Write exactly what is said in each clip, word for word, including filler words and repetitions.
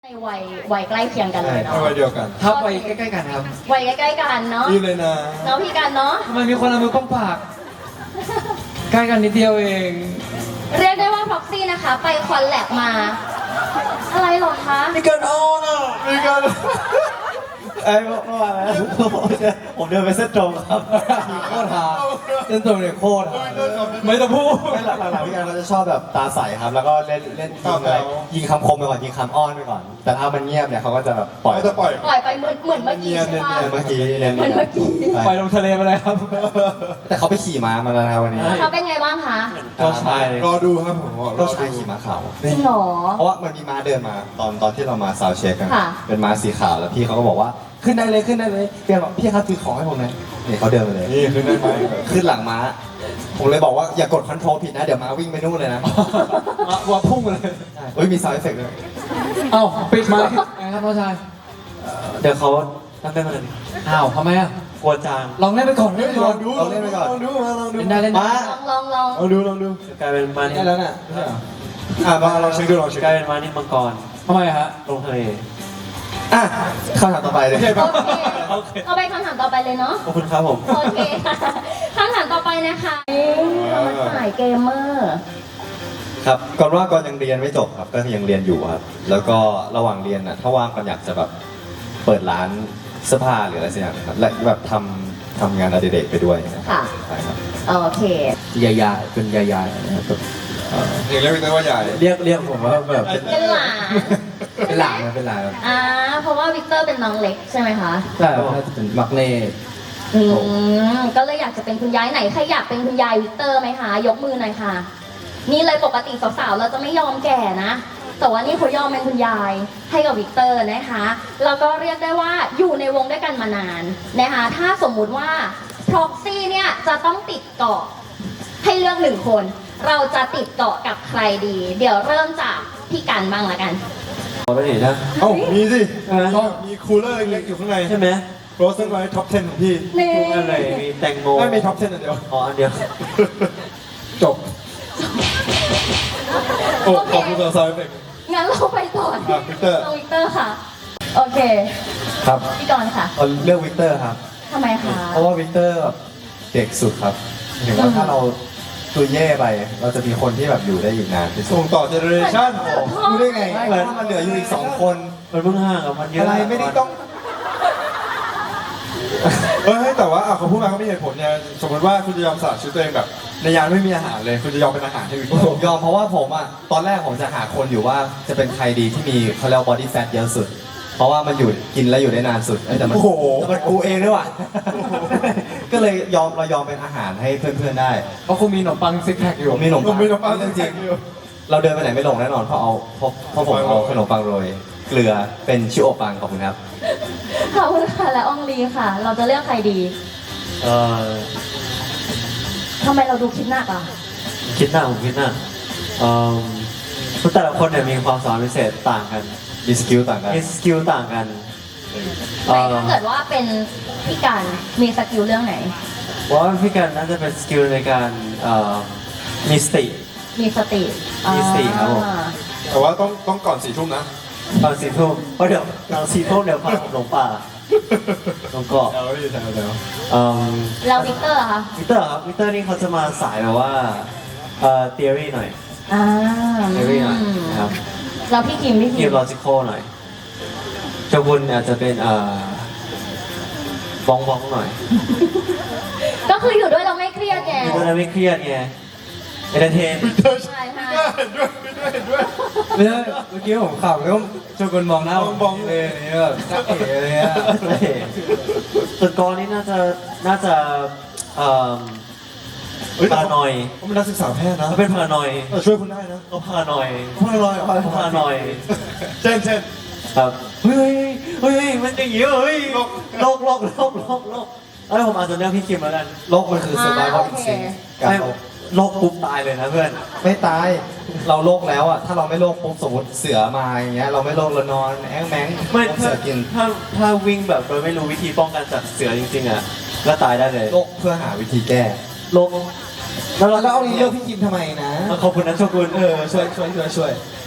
ในวัยวัยใกล้เคียงกันเลยเนาะวัยเดียวกันครับวัยใกล้ๆกันครับวัยใกล้ๆกันเนาะรีบเลยนะเนาะพี่กันเนาะทำไมมีคนเอามือป้องปาก ใกล้กันนิดเดียวเองเรียกได้ว่าพ็อกซี่นะคะ ไปคอนแลบมา อะไรหรอคะมีการอ้อนอ่ะมีการไอ้เมื่อวานนะผมเดินไปเส้นตรงครับโคตรหาเส้นตรงเนี่ยโคตรหาไม่ต้องพูดไม่หลักหลักพี่การเขาจะชอบแบบตาใสครับ แล้วก็เล่นเล่นยิงอะไรยิงคำคมไปก่อนยิงคำอ้อนไปก่อน แต่ถ้ามันเงียบเนี่ยเขาก็จะแบบปล่อยเขาจะปล่อยปล่อยไปเหมือนเหมือนเมื่อกี้ใช่ปะเมื่อกี้เล่นเหมือนเมื่อกี้ปล่อยลงทะเลไปเลยครับแต่เขาไปขี่ม้ามาแล้วนะวันนี้เขาเป็นไงบ้างคะเจ้าชายรอดูครับผมรเจ้าอชายดูขี่ม้าขาวจริงเหรอเพราะว่ามันมีม้าเดินมาตอนตอนที่เรามาซาวด์เช็คกันค่ะเป็นม้าสีขาวแล้วพี่เขาก็บอกว่าขึ้นได้เลยขึ้นได้เลยพี่บอกพี่ครับถือของให้ผมหน่อยนี่เขาเดินมาเลยนี่คือได้ไหมขึ้นหลังม้า ผมเลยบอกว่าอย่ากดคอนโทรลผิดนะ เดี๋ยวม้าวิ่งไปนู่นเลยนะว่าพุ่งไปเลยเฮ้ยมีซาวด์เอฟเฟกต์ด้วยเอ้าปิดไมค์ไงครับน้องชายเดี๋ยวเขาตั้งได้มาเลยอ้าวทำไมอ่ะกลัวจางลองเล่นไปก่อนเล่นไปลก่ออนงดูลองดูลองดูมาลองดูเล่นได้เล่นได้ม้าลองลองลองลองดูลองดูกลายเป็นมานี่ได้แล้วน่ะไม่ใช่เหรออ่ะมาลองเช็คดูลองเช็คกลายเป็นมานี่มังกรทำไมฮะลงทะเลอ่ะคำถามต่อไปเลยโอเคปะโอเคเอาไปคำถามต่อไปเลยเนาะขอบคุณครับผมโอเคค่ะคำถามต่อไปนะคะเรามาถ่ายเกมเมอร์ครับก่อนว่าก่อนยังเรียนไม่จบครับ ก็ยังเรียนอยู่ครับ แล้วก็ระหว่างเรียนน่ะถ้าว่างก่อนอยากจะแบบเปิดร้านเสื้อผ้าหรืออะไรสักอย่างครับ และแบบทำทำงานอดิเรกไปด้วยนะครับค่ะใช่ครับโอเคยายาเป็นยายานะครับเองเรียกพี่เต้ว่าใหญ่เรียกเรียกผมว่าแบบเป็นหลานเป็นหลานนะเป็นหลานครับอ่าเพราะว่าวิกเตอร์เป็นน้องเล็กใช่ไหมคะใช่ครับน่าจะเป็นมักเน่อืมก็เลยอยากจะเป็นคุณยายไหนใครอยากเป็นคุณยายวิกเตอร์ไหมคะยกมือหน่อยค่ะ นี่เลยปกติสาวๆเราจะไม่ยอมแก่นะ แต่ว่านี่เขายอมเป็นคุณยายให้กับวิกเตอร์นะคะแล้วก็เรียกได้ว่าอยู่ในวงด้วยกันมานานนะคะถ้าสมมุติว่าพ็อกซี่เนี่ยจะต้องติดเกาะให้เลือกหนึ่งคน เราจะติดเกาะกับใครดี เดี๋ยวเริ่มจากพี่กันบ้างละกันขอไปเห็นนะเอ้ามีสิเออชอบมีคูลเลอร์เล็กๆอยู่ข้างในใช่ไหมโรสเซนไว้ท็อปสิบของพี่นี่ทุกอันเลยมีแตงโมไม่มีท็อปสิบอันเดียวอ๋ออันเดียวจบโอ้ขอบคุณสาวๆเอฟเฟกต์งั้นเราไปต่ออ่ะวิกเตอร์น้องวิกเตอร์ค่ะ โอเคครับพี่กรณ์ค่ะเอาเลือกวิกเตอร์ครับทำไมคะเพราะว่าวิกเตอร์แบบเด็กสุดครับเห็นว่าถ้าเราตัวแย่ไป เราจะมีคนที่แบบอยู่ได้อีกนานที่สุดส่งต่อเจเนอเรชั่นรู้ได้ไงถ้ามันเหลืออยู่อีกสองคนมันเพิ่งห่างกับมันเยอะอะไรไม่ได้ต้องเฮ้ยแต่ว่าอ่ะเขาพูดมาเขามีเหตุผลเนี่ยสมมติว่าคุณจะยอมสละชีวิตตัวเองแบบ ในยานไม่มีอาหารเลยคุณจะยอมเป็นอาหารให้วิกเตอผมร์ยอมเพราะว่าผมอ่ะตอนแรกผมจะหาคนอยู่ว่าจะเป็นใครดีที่มีเขาเรียกบอดี้แฟทเยอะสุด เพราะว่ามันอยู่กินแล้วอยู่ได้นานสุดเอ้ยแต่มันโอ้โหแต่มันกูเองด้วยว่ะ ก็เลยยอมเรายอมเป็นอาหารให้เพื่อนๆได้เพราะคุณมีขนมปังซิกแพคอยู่ผมมีขนมผมปังไม่ต้องปั้นเรื่องจจริริงงเราเดินไปไหนไม่หลงแน่นอนเพราะเอาเพราะเพราะผมเอาขนมปังโรยเกลือเป็นชิโอปังขอบคุณครับขอบคุณค่ะและอองลีค่ะ เราจะเลือกใครดีเออทำไมเราดูคิดหนักอ่ะคิดหน้าผมคิดหน้าเอ่อทุกแต่ละคนเนี่ยมีความสามารถพิเศษต่างกันมีสกิลต่างกันมีสกิลต่างกันเอไม่อถ้าเกิดว่าเป็นพี่กันมีสกิลเรื่องไหนว่าพี่กันน่าจะเป็นสกิลในการเอ่อมีสติมีสติมีสติครับผมอ่าแต่ว่าต้องต้องก่อนสี่ทุ่มนะตอนสี่ทุ่มเพราะเดี๋ยวตอนสี่ทุ่มเดี๋ยวพาผมหลงป่าลงเกาะแล้วพี่แซวแล้วเอ่อแล้ววิกเตอร์อะคะวิกเตอร์ครับวิกเตอร์นี่เขาจะมาสายแบบว่าเอ่อ theory หน่อยอ่า theory หน่อยนะครับแล้วพี่คิมพี่คิทีมม logical หน่อยโจกุนอาจจะเป็นเอ่อบ้องบ้องหน่อยก็คืออยู่ด้วยเราไม่เครียดไงอยู่ด้วยแล้วไม่เครียดไง entertain ใช่ใช่เห็นด้วยเห็นด้วยเห็นด้วยไม่ใช่เมื่อกี้ผมขับแล้วโจกุนมองหน้าผมมองๆเลยนี่แบบจักเอ๋เลยอ่ะส่วนกรนี่น่าจะน่าจะเอ่อเฮ้ยพารานอยเขาเป็นนักศึกษาแพทย์นะเขาเป็นพารานอยเออช่วยคุณได้นะเขาพารานอยพาลอยเขาพารานอยเช่นเช่นครับเฮ้ยเฮ้ยมันอย่างงี้เฮ้ยโลกโลกโลกโลกโลกโลกเอ้ยผมอาจจะเลือกพี่คิมแล้วกันโลกมันคือ survival instinct การไม่เอาโลกปุ๊บตายเลยนะเพื่อนไม่ตาย เราโลกแล้วอ่ะ ถ้าเราไม่โลกปุ๊บสมมติเสือมาอย่างเงี้ย เราไม่โลกเรานอนแอ้งแม้งไม่ปุ๊บเสืถ้าอกินถ้าถ้าวิ่งแบบโดยไม่รู้วิธีป้องกันจากเสือจริงๆอ่ะก็ตายได้เลยโลกเพื่อหาวิธีแก้โลกแล้วเราแล้วเอาเลือกพี่กิมทำไมนะขอบคุณนะโชกุนเออ ช่วยช่วยช่วยช่วยเ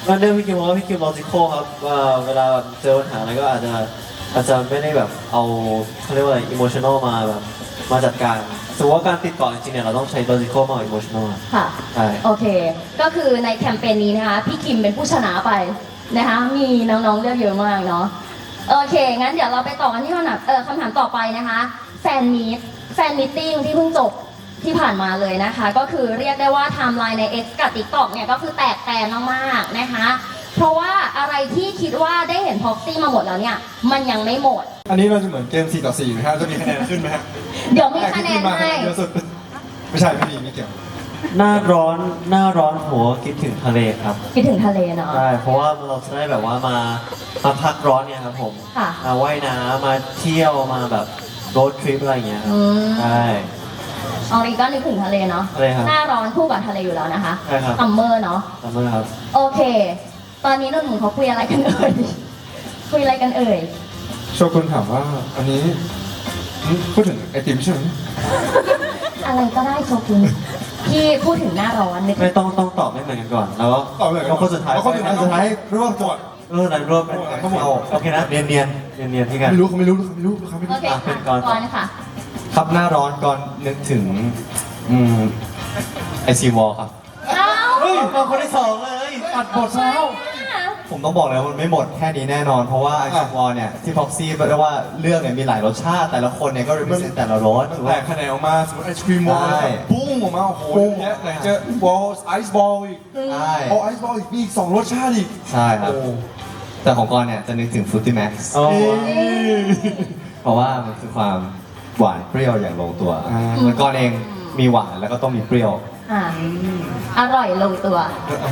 ก็เรื่องพี่คิมว่าพี่คิมลอจิคอลครับว่าเวลาแบบเจอปัญหาอะไรก็อาจจะอาจจะไม่ได้แบบเอาเขาเรียกว่าอะไรอิโมชันอลมาแบบมาจัดการสมมติว่าการติดต่อจริงๆเนี่ยเราต้องใช้ลอจิคอลมากกว่าอิโมชันอลค่ะใช่โอเค ก็คือในแคมเปญนี้นะคะ พี่คิมเป็นผู้ชนะไปนะคะ มีน้องๆเลือกเยอะมากเนาะ โอเค งั้นเดี๋ยวเราไปต่อกันที่คำถามเออคำถามต่อไปนะคะ แฟนมีตแฟนมีตติ้งที่เพิ่งจบที่ผ่านมาเลยนะคะ ก็คือเรียกได้ว่าไทม์ไลน์ใน X กับ TikTok เนี่ยก็คือแตกแตนมากๆนะคะ เพราะว่าอะไรที่คิดว่าได้เห็นพ็อกซี่มาหมดแล้วเนี่ย มันยังไม่หมดอันนี้เราจะเหมือนเกมสี่ต่อสี่ไหมฮะจะมีคะแนนขึ้นไหมฮะเดี๋ยวมีคะแนนมาให้เยอะสุดไม่ใช่ไม่มีไม่เกี่ยวหน้าร้อนหน้าร้อนหัวคิดถึงทะเลครับคิดถึงทะเลเนาะใช่เพราะว่าเราจะได้แบบว่ามามาพักร้อนเนี่ยครับผมค่ะมาว่ายน้ำมาเที่ยวมาแบบโรดทริปอะไรอย่างเงี้ยครับอืมใช่อองรีก็นึกถึงทะเลเนาะทะเลครับหน้าร้อนคู่กับทะเลอยู่แล้วนะคะใช่ครับซัมเมอร์เนาะทำไมครับโอเค ตอนนี้หนุ่มๆเขาคุยอะไรกันเอ่ย คุยอะไรกันเอ่ยโชกุนถามว่า อันนี้หึพูดถึงไอติมใช่ไหมอะไรก็ได้โชกุนพี่พูดถึงหน้าร้อนนึกไม่ต้องต้องตอบไม่เหมือนกันก่อนแล้วก็ตอบเลยแล้วคนสุดท้ายแล้วคนสุดท้ายสุดท้ายร่วมจดเออไหนรวมเป็นทั้งหมดโอเคนะเนียนเนียนเนียนเนียนๆที่กันไม่รู้เขาไม่รู้เขาไม่รู้เขาไม่โอรู้เคอ่ะเป็นก่ค่ะอนก่อนค่ะครับหน้าร้อนก่อนนึกถึงอืมไอซีวอลครับเอ้าเฮ้ยมาคนที่สองเลยอัดบทซะแล้วผมต้องบอกเลยว่ามันไม่หมดแค่นี้แน่นอน เพราะว่าไอซีวอลเนี่ยที่พ็อกซี่เรียกว่าเรื่องเนี่ยมีหลายรสชาติ แต่ละคนเนี่ยก็ represent แต่ละรสมันถูกแตไหมกคะแนนออกมาสมมติไอศครีมวอลใช่ปุ้งออกมาโอ้โหเยอะไหนจะบอลไอซ์บอลอีกใช่พอไอซ์บอลอีกมีอีกสองรสชาติอีกใช่ครับโอ้แต่ของกอนเนี่ยจะนึกถึง Fruity Max โอ้เพราะว่ามันคือความหวานเปรี้ยวอย่างลงตัวเหมือนกอนเองมีหวานแล้วก็ต้องมีเปรี้ยวอ่าอร่อยลงตัว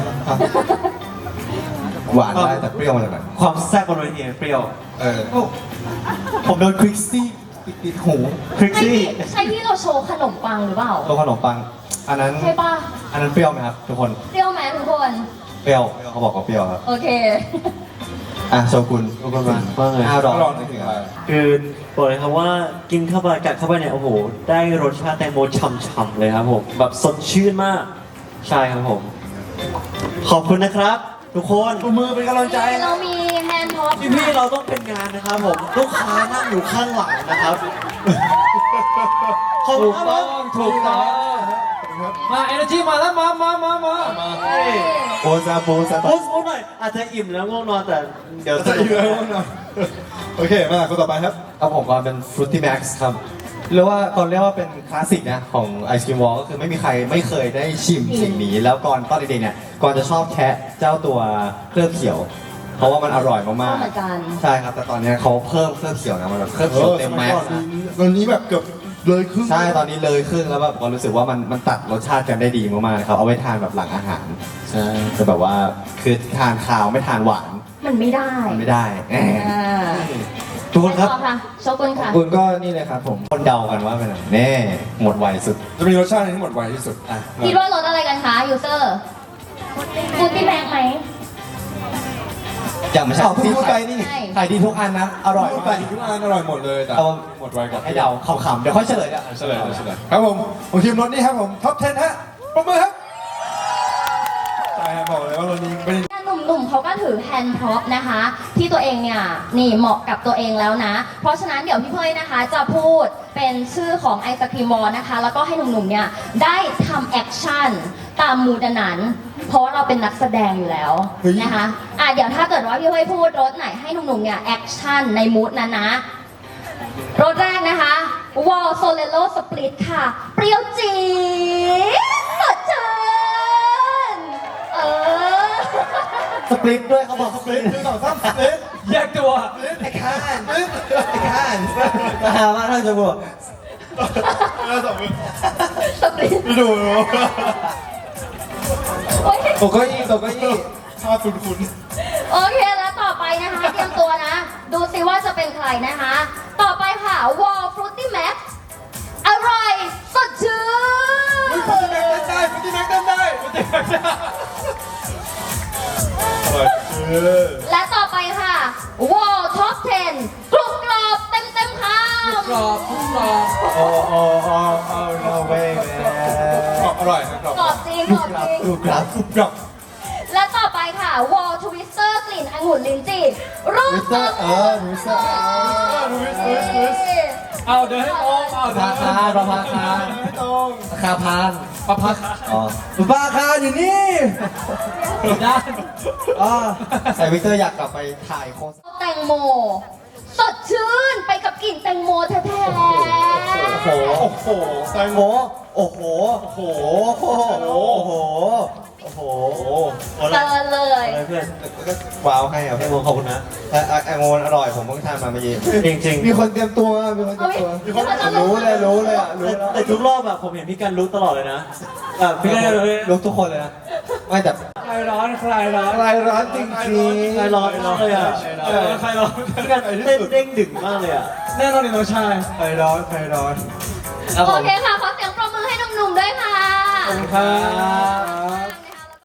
หวานได้แต่เปรี้ยวมาจากไหนความแซ่บบนเวทีเปรี้ยวเออผมโดนคริกซี่ติดหูคริกใช่ซี่ที่ใช่ที่เราโชว์ขนมปังหรือเปล่าตัวขนมปัง อันนั้นใช่ป่ะอันนั้นเปรี้ยวไหมครับทุกคนเปรี้ยวไหมทุกคนเปรี้ยวเขาบอกว่าเปรี้ยวครับโอเคอ่ะโชกุนขอบคุณมากมากเลยหน้าร้อนร้อนนึกถึถึงงอะอะไร ไรคือบอกเลยครับว่ากินเข้าไปกัดเข้าไปเนี่ยโอ้โห ได้รสชาติแตงโมฉ่ำๆเลยครับผมแบบสดชื่นมาก ใช่ครับผม ขอบคุณนะครับ ทุกคนปรบมือเป็นกำลังใจเรามีแฮนด์ท็อปพี่ๆเราต้องเป็นงานนะครับผมลูกค้านั่งอยู่ข้างหลังนะครับขอบคุณครับผมถูกต้องมาเอเนจีมาแล้วมามามามาเฮ้ยโอซาโบซาโพสต์หน่อยอาจจะอิ่มแล้วง่วงนอนแต่เดี๋ยวจะอยู่แล้วนะโอเค มาคนต่อไปครับครับผมก่อนเป็น Fruity Max ครับเรียกว่าก่อนเรียกว่าเป็นคลาสสิกนะของไอศครีมวอลก็คือไม่มีใครไม่เคยได้ชิมสิ่งนี้ แล้วก่อนตอนเด็กๆเนี่ยก่อนจะชอบแคะเจ้าตัวเคลือบเขียว เพราะว่ามันอร่อยชอมาบกเหมือนกันๆใช่ครับแต่ตอนเนี้ยเขาเพิ่มเคลือบเขียวนะมันแบบเคลือบเขียวเต็มแม็กซ์นะตอนนี้แบบเกือบเลยครึ่งใช่ ตอนนี้เลยครึ่งแล้วแบบก็รู้สึกว่ามันมันตัดรสชาติกันได้ดีมากๆนะครับ เอาไว้ทานแบบหลังอาหาร ใช่จะแบบว่าคือทานข้าวไม่ทานหวานมันไม่ได้มันไม่ได้แหมอ่าทุกคนครับต่อค่ะโชกุนค่ะคุณก็นี่เลยครับผมคนเดากันว่าเป็นอะไรแน่หมดไวสุดจะมีรสชาติที่หมดไวที่สุดอ่ะคิดว่ารสอะไรกันคะยูเซอร์ฟูดที่แบงไหมอย่างไม่ใช่อ้าวเพิ่งพูดไปนี่ใช่ขายดีทุกอันนะ อร่อยพูดมากไปทุกอันอร่อยหมดเลยแต่เอาหมดไวกว่าให้เดาขำๆเดี๋ยวค่อยเฉลยอ่ะเฉลยเฉลยครับผมของทีมรถนี่ครับผมท็อปสิบฮะปรบมือครับใช่ครับบอกเลยว่ารถนี้เป็นหนุ่มๆเขาก็ถือแฮนด์พร็อพนะคะ ที่ตัวเองเนี่ยนี่เหมาะกับตัวเองแล้วนะ เพราะฉะนั้นเดี๋ยวพี่เพยนะคะ จะพูดเป็นชื่อของไอศครีมวอลนะคะ แล้วก็ให้หนุ่มๆเนี่ยได้ทำแอคชั่นตามมูดนั้น เพราะว่าเราเป็นนักแสดงอยู่แล้วเฮ้ยนะคะอ่ะเดี๋ยวถ้าเกิดว่าพี่เพยพูดรถไหนให้หนุ่มๆเนี่ยแอคชั่นในมูดนั้นนะ รถแรกนะคะวอลโซเลโลสปลิตค่ะ เปรี้ยวจี๊ดสดชื่นเออสปลิตด้วยเขาบอกสปลิตหนึ่งสองสามเอ๊ะแยกตัวไอ้ข้านไอ้ข้านนะฮะว่าถ้าจะบอกแล้วสองมือสปริตไม่ดูเลยโอ้ยตกเก้าอี้ตกเก้าอี้ภาพคุ้นโอเคแล้วต่อไปนะคะ เตรียมตัวนะ ดูสิว่าจะเป็นใครนะคะ ต่อไปค่ะวอลฟรุตตี้แม็กอร่อยสดชื่ๆนฟุตตี้แม็กเต้นได้ฟุตตี้แม็กเต้นได้ฟุตตี้แม็กเต้นได้อร่อยเออและต่อไปค่ะวอลท็อปสิบกรุบกรอบเต็มเต็มๆคำกรอบทุกกรอบโอ้โอ้โอ้โอ้ no way กรอบอร่อยครับกรอบกรอบจริงกรอบจริงกรุบกรับกรุบกรับและต่อไปค่ะ Wall Twister กลิ่นองุ่นลิ้นจี่รูปวิสเตอร์เออวิสเตอร์เอาเดินให้ตรงเอาเดิพาน คารประภาคารไม่ตรงคาพานประพักอ๋อประภาคารอยู่นี่ด้านอ๋อใส่วิกเตอร์อยากกลับไปถ่ายโฆษณาแตงโม สดชื่นไปกับกลิ่นแตงโมแท้โอ้โหโอ้โหแตงโอ้โมโห โอ้โห โอ้โห โอ้โห โอ้โห โอ้โหๆเกินเลยอะไรเพื่อนก็ว้าวให้ครับพี่โมขอบคุณนะแต่แองโมนอร่อยผมเพิ่งทานมาเมื่อกี้จริงจริงมีคนเตรียมตัว มีคนเตรียมตัวมีคนจะรู้เลย รู้เลยอ่ะ รู้แต่แล้วแต่ทุกรอบแบบผมเห็นพี่กันรู้ตลอดเลยนะแบบพี่กันเลยลุกทุกคนเลยนะ ไม่แต่คลายร้อนคลายร้อนคลายร้อนจริงใครร้อนมากเลยอ่ะเออคลายร้อนพี่กันเต้นเด้งดึงมากเลยอ่ะแน่นอนนี่น้องชายๆคลายร้อนคลายร้อนโอเคค่ะ ขอเสียงปรบมือให้หนุ่มๆด้วยค่ะขอบคุณครับ